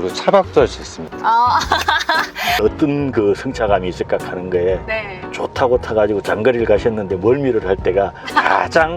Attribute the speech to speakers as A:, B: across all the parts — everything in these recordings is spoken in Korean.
A: 그리고 차박도 할 수 있습니다.
B: 아,
C: 어떤 그 승차감이 있을까 하는 거에
B: 네.
C: 좋다고 타가지고 장거리를 가셨는데 멀미를 할 때가 가장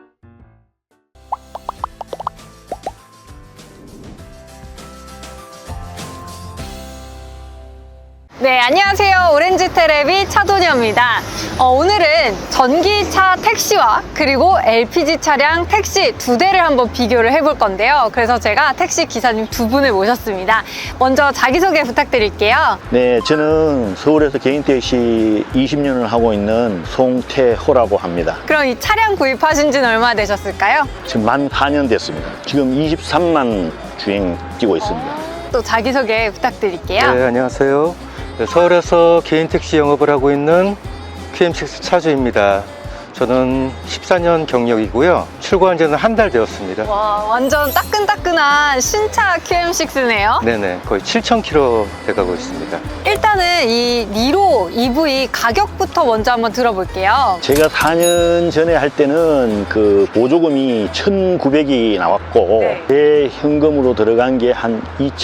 B: 네, 안녕하세요. 오렌지 테레비 차도녀입니다. 오늘은 전기차 택시와 그리고 LPG 차량 택시 두 대를 한번 비교를 해볼 건데요. 그래서 제가 택시 기사님 두 분을 모셨습니다. 먼저 자기소개 부탁드릴게요.
C: 네, 저는 서울에서 개인 택시 20년을 하고 있는 송태호라고 합니다.
B: 그럼 이 차량 구입하신 지는 얼마나 되셨을까요?
C: 지금 만 4년 됐습니다. 지금 23만 주행 뛰고 있습니다.
B: 또 자기소개 부탁드릴게요.
A: 네, 안녕하세요. 네, 서울에서 개인 택시 영업을 하고 있는 QM6 차주입니다. 저는 14년 경력이고요. 출고한 지는 한 달 되었습니다.
B: 와, 완전 따끈따끈한 신차 QM6네요.
A: 네네, 거의 7,000km 돼가고 있습니다.
B: 일단은 이 니로 EV 가격부터 먼저 한번 들어볼게요.
C: 제가 4년 전에 할 때는 그 보조금이 1,900이 나왔고
B: 네.
C: 제 현금으로 들어간 게 한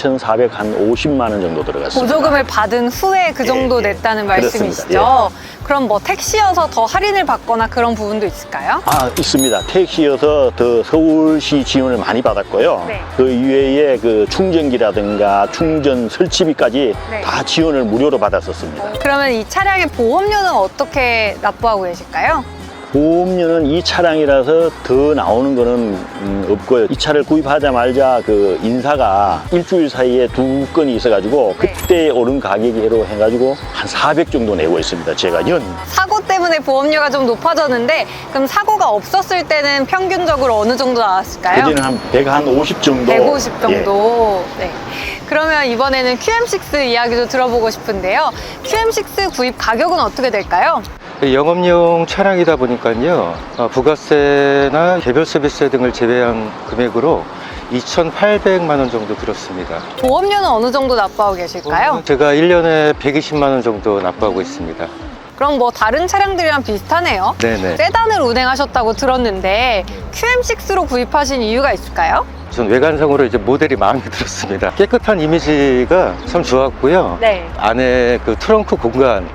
C: 2,450만 원 정도 들어갔습니다.
B: 보조금을 받은 후에 그 정도
C: 예, 예.
B: 냈다는
C: 그렇습니다.
B: 말씀이시죠? 그럼 뭐 택시여서 더 할인을 받거나 그런 부분도 있을까요?
C: 아, 있습니다. 택시여서 더 서울시 지원을 많이 받았고요.
B: 네.
C: 그 이외에 그 충전기라든가 충전 설치비까지
B: 네.
C: 다 지원을 무료로 받았었습니다.
B: 그러면 이 차량의 보험료는 어떻게 납부하고 계실까요?
C: 보험료는 이 차량이라서 더 나오는 거는 없고요. 이 차를 구입하자마자 그 인사가 일주일 사이에 2건이 있어가지고
B: 네.
C: 그때 오른 가격으로 해가지고 한 400 정도 내고 있습니다. 제가 연.
B: 사고 때문에 보험료가 좀 높아졌는데 그럼 사고가 없었을 때는 평균적으로 어느 정도 나왔을까요?
C: 그때는 한 150 정도.
B: 150
C: 예.
B: 정도. 네. 그러면 이번에는 QM6 이야기도 들어보고 싶은데요. QM6 구입 가격은 어떻게 될까요?
A: 영업용 차량이다 보니까요. 부가세나 개별 서비스 등을 제외한 금액으로 2,800만 원 정도 들었습니다.
B: 보험료는 어느 정도 납부하고 계실까요?
A: 제가 1년에 120만 원 정도 납부하고 있습니다.
B: 그럼 뭐 다른 차량들이랑 비슷하네요.
A: 네네.
B: 세단을 운행하셨다고 들었는데 QM6로 구입하신 이유가 있을까요?
A: 전 외관상으로 이제 모델이 마음에 들었습니다. 깨끗한 이미지가 참 좋았고요.
B: 네.
A: 안에 그 트렁크 공간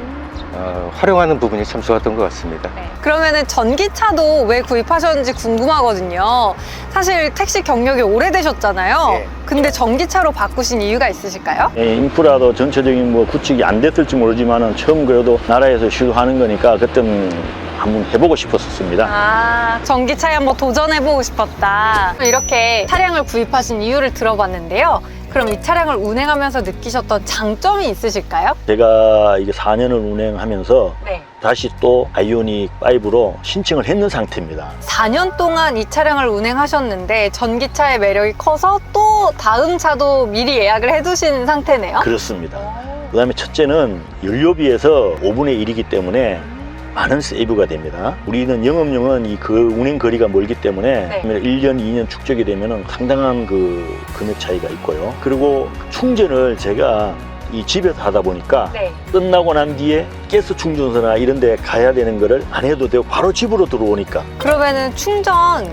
A: 활용하는 부분이 참 좋았던 것 같습니다.
B: 네. 그러면은 전기차도 왜 구입하셨는지 궁금하거든요. 사실 택시 경력이 오래되셨잖아요.
C: 네.
B: 근데 전기차로 바꾸신 이유가 있으실까요?
C: 예, 인프라도 전체적인 뭐 구축이 안 됐을지 모르지만은 처음 그래도 나라에서 시도하는 거니까 그때는 한번 해보고 싶었습니다.
B: 아, 전기차에 한번 도전해보고 싶었다. 이렇게 차량을 구입하신 이유를 들어봤는데요. 그럼 이 차량을 운행하면서 느끼셨던 장점이 있으실까요?
C: 제가 이게 4년을 운행하면서
B: 네.
C: 다시 또 아이오닉 5로 신청을 했는 상태입니다.
B: 4년 동안 이 차량을 운행하셨는데 전기차의 매력이 커서 또 다음 차도 미리 예약을 해두신 상태네요.
C: 그렇습니다. 그 다음에 첫째는 연료비에서 5분의 1이기 때문에 많은 세이브가 됩니다. 우리는 영업용은 이 그 운행 거리가 멀기 때문에
B: 네.
C: 1년, 2년 축적이 되면 상당한 그 금액 차이가 있고요. 그리고 충전을 제가 이 집에서 하다 보니까
B: 네.
C: 끝나고 난 뒤에 가스 충전소나 이런 데 가야 되는 거를 안 해도 되고 바로 집으로 들어오니까
B: 그러면은 충전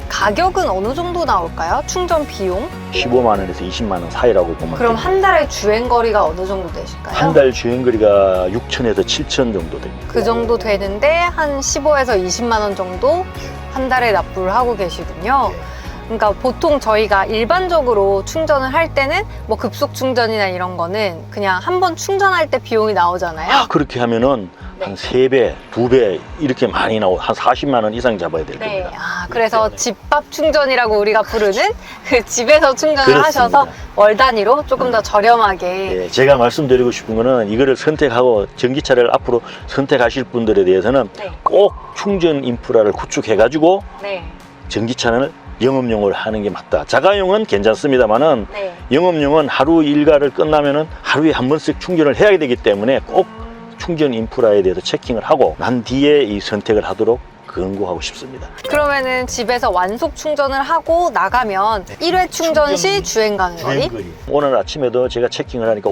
B: 가격은 어느 정도 나올까요? 충전 비용?
C: 15만 원에서 20만 원 사이라고 보면
B: 그럼
C: 됩니다.
B: 한 달에 주행 거리가 어느 정도 되실까요?
C: 한 달 주행거리가 6천에서 7천 정도 됩니다.
B: 그 정도 되는데 한 15에서 20만 원 정도 한 달에 납부를 하고 계시군요. 그러니까 보통 저희가 일반적으로 충전을 할 때는 뭐 급속 충전이나 이런 거는 그냥 한 번 충전할 때 비용이 나오잖아요.
C: 그렇게 하면은
B: 네.
C: 한 3배, 2배 이렇게 많이 나오고 한 40만 원 이상 잡아야 될
B: 네.
C: 겁니다.
B: 그래서
C: 때문에.
B: 집밥 충전이라고 우리가 부르는 그 집에서 충전을
C: 그렇습니다.
B: 하셔서 월 단위로 조금 더 저렴하게.
C: 예, 제가 말씀드리고 싶은 거는 이거를 선택하고 전기차를 앞으로 선택하실 분들에 대해서는
B: 네.
C: 꼭 충전 인프라를 구축해가지고
B: 네.
C: 전기차는 영업용을 하는 게 맞다. 자가용은 괜찮습니다만은
B: 네.
C: 영업용은 하루 일과를 끝나면은 하루에 한 번씩 충전을 해야 되기 때문에 꼭 충전 인프라에 대해서 체킹을 하고 난 뒤에 이 선택을 하도록 권고하고 싶습니다.
B: 그러면은 집에서 완속 충전을 하고 나가면 1회 충전 시 주행 간거리?
C: 오늘 아침에도 제가 체킹을 하니까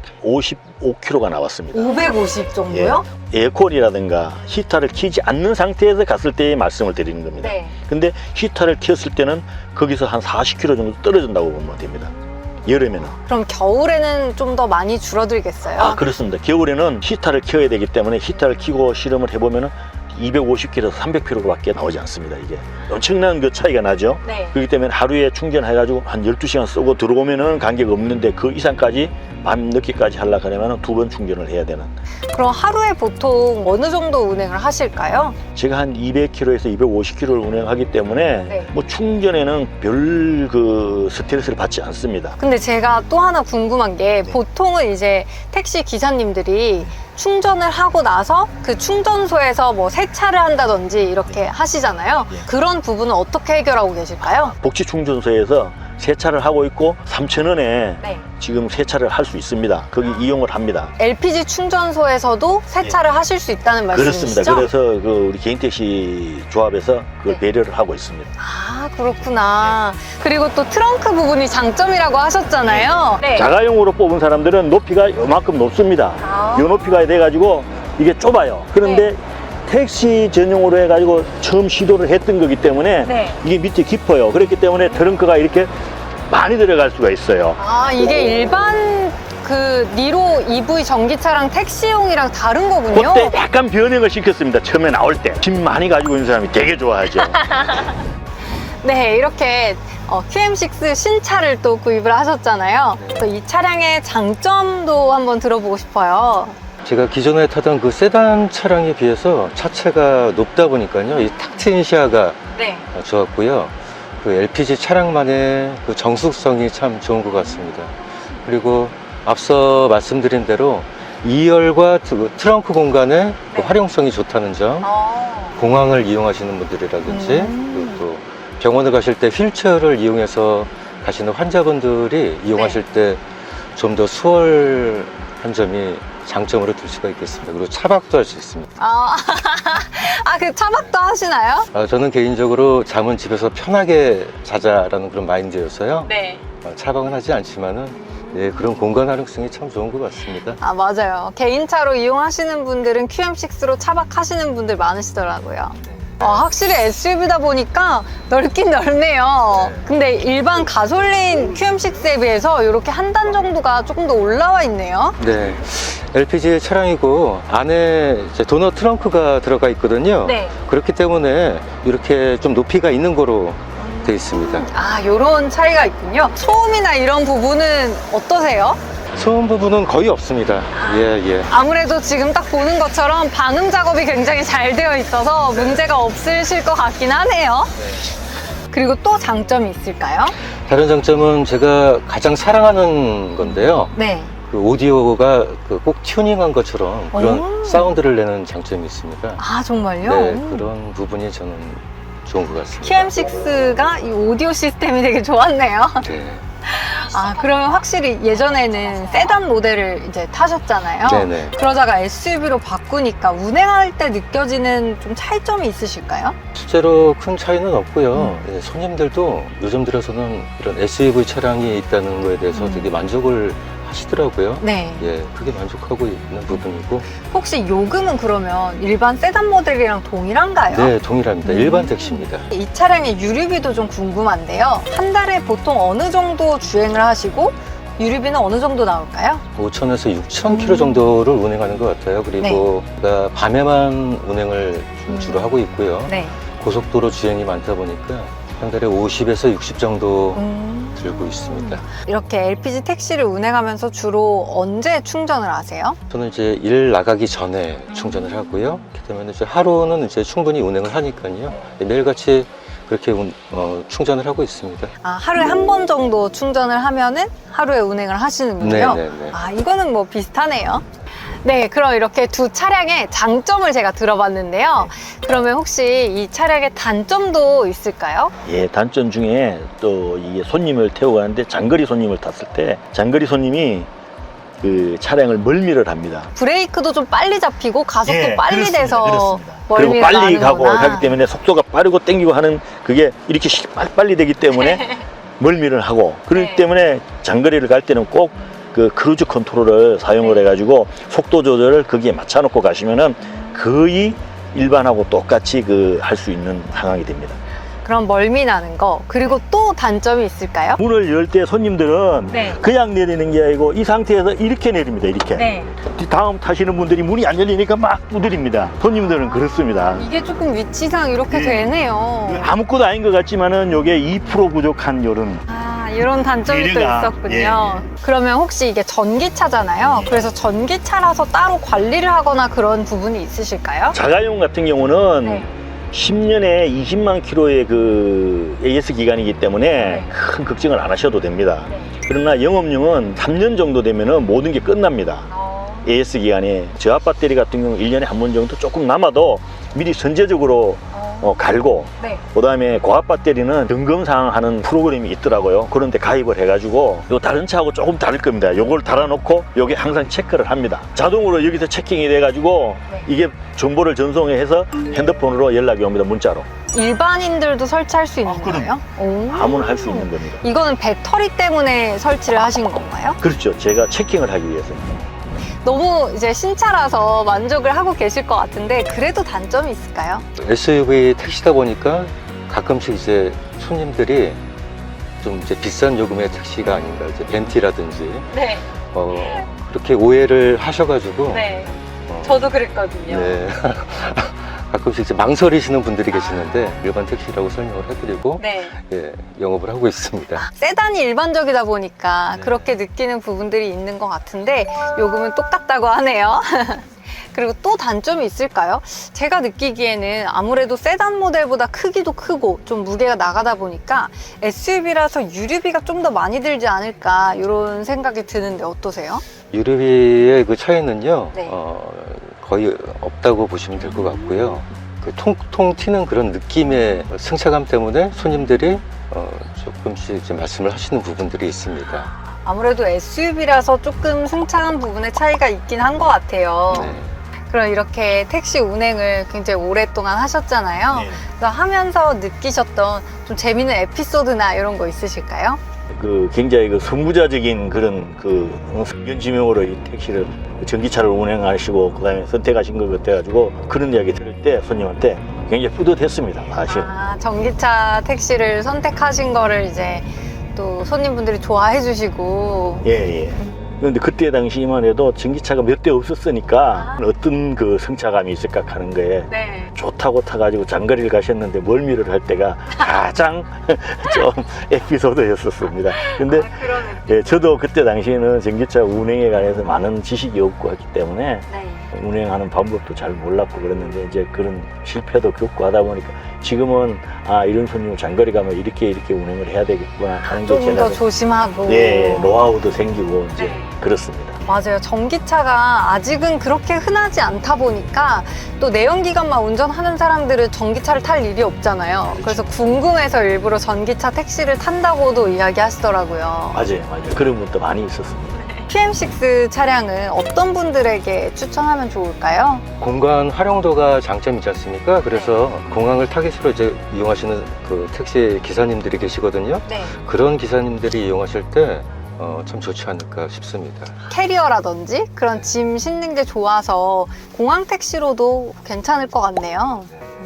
C: 555km가 나왔습니다.
B: 550 정도요?
C: 예, 에어컨이라든가 히터를 켜지 않는 상태에서 갔을 때의 말씀을 드리는 겁니다.
B: 네.
C: 근데 히터를 켰을 때는 거기서 한 40km 정도 떨어진다고 보면 됩니다. 여름에는.
B: 그럼 겨울에는 좀 더 많이 줄어들겠어요?
C: 아, 그렇습니다. 겨울에는 히터를 켜야 되기 때문에 히터를 켜고 실험을 해보면은 250km에서 300km밖에 나오지 않습니다. 이게 엄청난 그 차이가 나죠.
B: 네.
C: 그렇기 때문에 하루에 충전해가지고 한 12시간 쓰고 들어오면은 관계가 없는데 그 이상까지 밤 늦게까지 하려고 하려면 2번 충전을 해야 되는.
B: 그럼 하루에 보통 어느 정도 운행을 하실까요?
C: 제가 한 200km에서 250km를 운행하기 때문에
B: 네.
C: 뭐 충전에는 별 그 스트레스를 받지 않습니다.
B: 근데 제가 또 하나 궁금한 게
C: 네.
B: 보통은 이제 택시 기사님들이 충전을 하고 나서 그 충전소에서 뭐 세차를 한다든지 이렇게 하시잖아요.
C: 네.
B: 그런 부분은 어떻게 해결하고 계실까요?
C: 복지 충전소에서 세차를 하고 있고 3,000원에
B: 네.
C: 지금 세차를 할 수 있습니다. 거기 이용을 합니다.
B: LPG 충전소에서도 세차를 하실 수 있다는 말씀이시죠?
C: 그렇습니다. 그래서 그 우리 개인택시 조합에서 그걸
B: 네.
C: 배려를 하고 있습니다.
B: 아, 그렇구나. 그리고 또 트렁크 부분이 장점이라고 하셨잖아요. 네.
C: 자가용으로 뽑은 사람들은 높이가 요만큼 높습니다.
B: 아.
C: 요 높이가 돼가지고 이게 좁아요. 그런데 택시 전용으로 해가지고 처음 시도를 했던 거기 때문에
B: 네.
C: 이게 밑에 깊어요. 그렇기 때문에 트렁크가 이렇게 많이 들어갈 수가 있어요.
B: 아, 이게 일반 그 니로 EV 전기차랑 택시용이랑 다른 거군요.
C: 그때 약간 변형을 시켰습니다. 처음에 나올 때. 짐 많이 가지고 있는 사람이 되게 좋아하죠.
B: 네, 이렇게 QM6 신차를 또 구입을 하셨잖아요. 또 이 차량의 장점도 한번 들어보고 싶어요.
A: 제가 기존에 타던 그 세단 차량에 비해서 차체가 높다 보니까요. 이 탁 트인 시야가
B: 네.
A: 좋았고요. 그 LPG 차량만의 그 정숙성이 참 좋은 것 같습니다. 그리고 앞서 말씀드린 대로 2열과 트렁크 공간의 그
B: 네.
A: 활용성이 좋다는 점, 공항을 이용하시는 분들이라든지 그리고 또 병원을 가실 때 휠체어를 이용해서 가시는 환자분들이 이용하실 때 좀 더 수월한 점이 장점으로 들 수가 있겠습니다. 그리고 차박도 할 수 있습니다.
B: 아, 그 차박도 하시나요?
A: 저는 개인적으로 잠은 집에서 편하게 자자라는 그런 마인드여서요.
B: 네.
A: 차박은 하지 않지만은 예, 그런 공간 활용성이 참 좋은 것 같습니다.
B: 아, 맞아요. 개인차로 이용하시는 분들은 QM6로 차박하시는 분들 많으시더라고요. 확실히 SUV다 보니까 넓긴 넓네요. 근데 일반 가솔린 QM6에 비해서 이렇게 한 단 정도가 조금 더 올라와 있네요.
A: 네, LPG 차량이고 안에 이제 도넛 트렁크가 들어가 있거든요.
B: 네.
A: 그렇기 때문에 이렇게 좀 높이가 있는 거로 되어 있습니다.
B: 아, 요런 차이가 있군요. 소음이나 이런 부분은 어떠세요?
A: 소음 부분은 거의 없습니다. 예.
B: 아무래도 지금 딱 보는 것처럼 방음 작업이 굉장히 잘 되어 있어서 문제가 없으실 것 같긴 하네요. 그리고 또 장점이 있을까요?
A: 다른 장점은 제가 가장 사랑하는 건데요.
B: 네.
A: 그 오디오가 그 꼭 튜닝한 것처럼 그런
B: 오.
A: 사운드를 내는 장점이 있습니다.
B: 아, 정말요?
A: 네, 그런 부분이 저는 좋은 것 같습니다.
B: QM6가 이 오디오 시스템이 되게 좋았네요.
A: 네.
B: 아, 그러면 확실히 예전에는 세단 모델을 이제 타셨잖아요.
A: 네네.
B: 그러다가 SUV로 바꾸니까 운행할 때 느껴지는 좀 차이점이 있으실까요?
A: 실제로 큰 차이는 없고요. 예, 손님들도 요즘 들어서는 이런 SUV 차량이 있다는 거에 대해서 되게 만족을 하시더라고요.
B: 네.
A: 예, 크게 만족하고 있는 부분이고.
B: 혹시 요금은 그러면 일반 세단 모델이랑 동일한가요?
A: 네, 동일합니다. 일반 택시입니다.
B: 이 차량의 유류비도 좀 궁금한데요. 한 달에 보통 어느 정도 주행을 하시고 유류비는 어느 정도 나올까요?
A: 5,000에서 6,000km 정도를 운행하는 것 같아요. 그리고 제가 밤에만 운행을 좀 주로 하고 있고요.
B: 네.
A: 고속도로 주행이 많다 보니까 한 달에 50에서 60 정도 들고 있습니다.
B: 이렇게 LPG 택시를 운행하면서 주로 언제 충전을 하세요?
A: 저는 이제 일 나가기 전에 충전을 하고요. 그렇기 때문에 이제 하루는 이제 충분히 운행을 하니까요. 매일같이 그렇게 충전을 하고 있습니다.
B: 아, 하루에 한 번 정도 충전을 하면은 하루에 운행을 하시는군요.
A: 네네네.
B: 아, 이거는 뭐 비슷하네요. 네, 그럼 이렇게 두 차량의 장점을 제가 들어봤는데요. 그러면 혹시 이 차량의 단점도 있을까요?
C: 예, 단점 중에 또 이게 손님을 태우고 가는데 장거리 손님을 탔을 때 장거리 손님이 그 차량을 멀미를 합니다.
B: 브레이크도 좀 빨리 잡히고 가속도
C: 예,
B: 빨리
C: 그렇습니다.
B: 돼서
C: 그렇습니다.
B: 멀미가
C: 그리고 빨리 가고
B: 나는구나.
C: 하기 때문에 속도가 빠르고 땡기고 하는 그게 이렇게 빨리 되기 때문에 멀미를 하고 그렇기
B: 네.
C: 때문에 장거리를 갈 때는 꼭 그 크루즈 컨트롤을 사용을
B: 네.
C: 해가지고 속도 조절을 거기에 맞춰놓고 가시면은 거의 일반하고 똑같이 그 할 수 있는 상황이 됩니다.
B: 그런 멀미 나는 거, 그리고 또 단점이 있을까요?
C: 문을 열 때 손님들은
B: 네.
C: 그냥 내리는 게 아니고 이 상태에서 이렇게 내립니다. 이렇게.
B: 네.
C: 다음 타시는 분들이 문이 안 열리니까 막 두드립니다. 손님들은 그렇습니다.
B: 이게 조금 위치상 이렇게
C: 네.
B: 되네요.
C: 아무것도 아닌 것 같지만은 요게 2% 부족한 요런.
B: 아, 이런 단점이 또
C: 미래가,
B: 있었군요.
C: 예.
B: 그러면 혹시 이게 전기차잖아요. 그래서 전기차라서 따로 관리를 하거나 그런 부분이 있으실까요?
C: 자가용 같은 경우는
B: 네.
C: 10년에 20만 킬로의 그 AS 기간이기 때문에
B: 네.
C: 큰 걱정을 안 하셔도 됩니다.
B: 네.
C: 그러나 영업용은 3년 정도 되면은 모든 게 끝납니다. AS 기간에 저압 배터리 같은 경우 1년에 한 번 정도 조금 남아도 미리 선제적으로 갈고,
B: 네.
C: 그 다음에 고압 배터리는 점검사항 하는 프로그램이 있더라고요. 그런데 가입을 해가지고 요 다른 차하고 조금 다를 겁니다. 요걸 달아놓고 요게 항상 체크를 합니다. 자동으로 여기서 체킹이 돼가지고
B: 네.
C: 이게 정보를 전송해서 핸드폰으로 연락이 옵니다. 문자로.
B: 일반인들도 설치할 수 있는
C: 그럼.
B: 거예요? 오.
C: 아무나 할 수 있는 겁니다.
B: 이거는 배터리 때문에 설치를 하신 건가요?
C: 그렇죠. 제가 체킹을 하기 위해서.
B: 너무 이제 신차라서 만족을 하고 계실 것 같은데 그래도 단점이 있을까요?
A: SUV 택시다 보니까 가끔씩 이제 손님들이 좀 이제 비싼 요금의 택시가 아닌가, 이제 벤티라든지
B: 네.
A: 그렇게 오해를 하셔가지고
B: 네.
A: 어,
B: 저도 그랬거든요.
A: 네. 가끔씩 이제 망설이시는 분들이 계시는데 일반 택시라고 설명을 해드리고
B: 네.
A: 예, 영업을 하고 있습니다.
B: 세단이 일반적이다 보니까
A: 네.
B: 그렇게 느끼는 부분들이 있는 것 같은데 요금은 똑같다고 하네요. 그리고 또 단점이 있을까요? 제가 느끼기에는 아무래도 세단 모델보다 크기도 크고 좀 무게가 나가다 보니까 SUV라서 유류비가 좀 더 많이 들지 않을까 이런 생각이 드는데 어떠세요?
A: 유류비의 그 차이는요,
B: 네.
A: 거의 없다고 보시면 될 것 같고요. 그 통통 튀는 그런 느낌의 승차감 때문에 손님들이 조금씩 이제 말씀을 하시는 부분들이 있습니다.
B: 아무래도 SUV라서 조금 승차감 부분에 차이가 있긴 한 것 같아요.
A: 네.
B: 그럼 이렇게 택시 운행을 굉장히 오랫동안 하셨잖아요.
C: 네.
B: 그래서 하면서 느끼셨던 좀 재미있는 에피소드나 이런 거 있으실까요?
C: 그 굉장히 그 선구자적인 그런 그 성견지명으로 이 택시를 전기차를 운행하시고 그다음에 선택하신 것 같아가지고 그런 이야기 들을 때 손님한테 굉장히 뿌듯했습니다. 사실.
B: 아, 전기차 택시를 선택하신 거를 이제 또 손님분들이 좋아해 주시고.
C: 예, 예. 그런데 그때 당시만 해도 전기차가 몇 대 없었으니까 어떤 그 성차감이 있을까 하는 거에
B: 네.
C: 좋다고 타가지고 장거리를 가셨는데 멀미를 할 때가 가장 좀 에피소드였었습니다. 근데
B: 그러네.
C: 예, 저도 그때 당시에는 전기차 운행에 관해서 많은 지식이 없고 했기 때문에
B: 네.
C: 운행하는 방법도 잘 몰랐고 그랬는데 이제 그런 실패도 겪고 하다 보니까 지금은 아 이런 손님을 장거리 가면 이렇게 운행을 해야 되겠구나 하는 게
B: 조금 더
C: 제가
B: 조심하고.
C: 예, 노하우도 생기고 이제
B: 네.
C: 그렇습니다.
B: 맞아요. 전기차가 아직은 그렇게 흔하지 않다 보니까 또 내연기관만 운전하는 사람들은 전기차를 탈 일이 없잖아요. 그래서 궁금해서 일부러 전기차 택시를 탄다고도 이야기하시더라고요.
C: 맞아요. 그런 분도 많이 있었습니다.
B: PM6 차량은 어떤 분들에게 추천하면 좋을까요?
A: 공간 활용도가 장점이지 않습니까? 그래서 공항을 타깃으로 이제 이용하시는 그 택시 기사님들이 계시거든요.
B: 네.
A: 그런 기사님들이 이용하실 때 참 좋지 않을까 싶습니다.
B: 캐리어라든지 그런 짐 싣는 게 좋아서 공항 택시로도 괜찮을 것 같네요.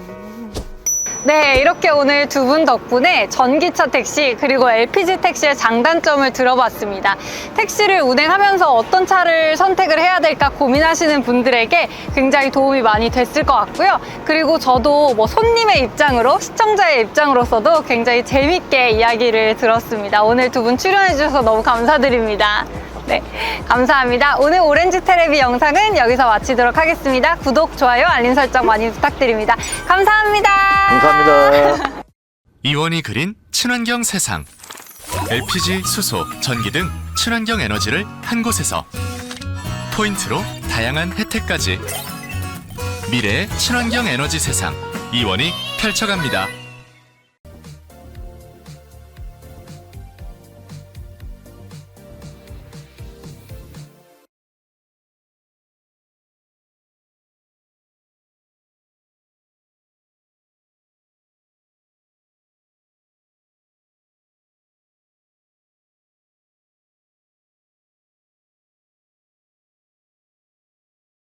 B: 네, 이렇게 오늘 두 분 덕분에 전기차 택시 그리고 LPG 택시의 장단점을 들어봤습니다. 택시를 운행하면서 어떤 차를 선택을 해야 될까 고민하시는 분들에게 굉장히 도움이 많이 됐을 것 같고요. 그리고 저도 뭐 손님의 입장으로, 시청자의 입장으로서도 굉장히 재밌게 이야기를 들었습니다. 오늘 두 분 출연해 주셔서 너무 감사드립니다. 네, 감사합니다. 오늘 오렌지 테레비 영상은 여기서 마치도록 하겠습니다. 구독, 좋아요, 알림 설정 많이 부탁드립니다. 감사합니다.
C: 감사합니다.
D: 이원이 그린 친환경 세상. LPG, 수소, 전기 등 친환경 에너지를 한 곳에서 포인트로 다양한 혜택까지 미래의 친환경 에너지 세상 이원이 펼쳐갑니다.